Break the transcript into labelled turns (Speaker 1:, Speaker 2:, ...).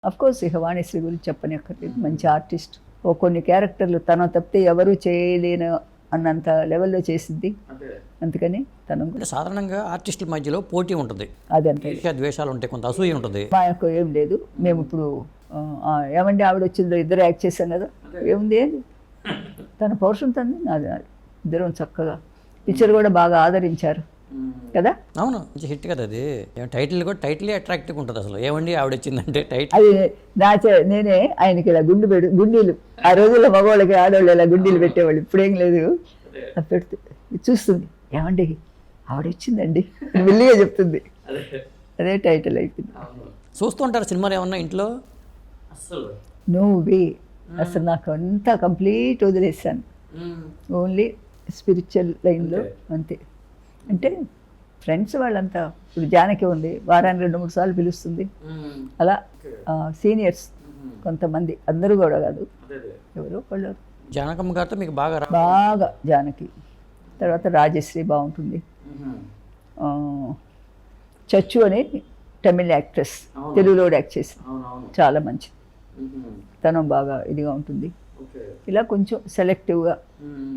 Speaker 1: Of course ఇక వాణిశ్రీ గురించి చెప్పనక్కర్లేదు, మంచి ఆర్టిస్ట్. ఓ కొన్ని క్యారెక్టర్లు తన తప్పితే ఎవరు చేయలేను అన్నంత లెవెల్లో చేసింది, అందుకని తను
Speaker 2: అంటే సాధారణంగా ఆర్టిస్టుల మధ్యలో పోటీ ఉంటుంది,
Speaker 1: అదంతే.
Speaker 2: ఈర్ష్య ద్వేషాలు ఉంటాయి, కొంత అసూయ ఉంటుంది.
Speaker 1: మాకు ఏం లేదు. మేము ఇప్పుడు ఏమండి ఆవిడ వచ్చిందో ఇద్దరు యాక్ట్ చేశాం కదా, ఏముంది ఏంది, తన పౌరుషం తంది, నాది నాది, ఇద్దరం చక్కగా పిక్చర్ కూడా బాగా ఆదరించారు కదా.
Speaker 2: అవును, మంచి హిట్ కదా అది. టైటిల్ కూడా టైటిలే అట్రాక్టివ్గా ఉంటుంది అసలు. ఏమండి ఆవిడ వచ్చిందంటే టైటిల్
Speaker 1: అది నేనే ఆయనకి ఇలా గుండీలు ఆ రోజుల్లో మగవాళ్ళకి ఆడవాళ్ళు ఇలా గుండీలు పెట్టేవాళ్ళు, ఇప్పుడేం లేదు. అది పెడుతూ చూస్తుంది, ఏమండి ఆవిడ వచ్చిందండి మెల్లిగా చెప్తుంది, అదే టైటిల్ అయిపోయింది.
Speaker 2: చూస్తూ ఉంటారు సినిమాలు ఏమన్నా ఇంట్లో? అసలు
Speaker 1: నువ్వే అసలు నాకు అంతా కంప్లీట్ వదిలేసాను, ఓన్లీ స్పిరిచువల్ లైన్లో అంతే. అంటే ఫ్రెండ్స్ వాళ్ళంతా, ఇప్పుడు జానకి ఉంది, వారానికి 2-3 సార్లు పిలుస్తుంది, అలా సీనియర్స్ కొంతమంది, అందరూ కూడా కాదు, ఎవరో వాళ్ళు.
Speaker 2: జానకమ్మ గారితో మీకు బాగా
Speaker 1: బాగా జానకి, తర్వాత రాజశ్రీ బాగుంటుంది, చచ్చు అనే తమిళ్ యాక్ట్రెస్ తెలుగులో యాక్ట్ చేసింది, చాలా మంచిది, తను బాగా ఇదిగా ఉంటుంది. ఇలా కొంచెం సెలెక్టివ్గా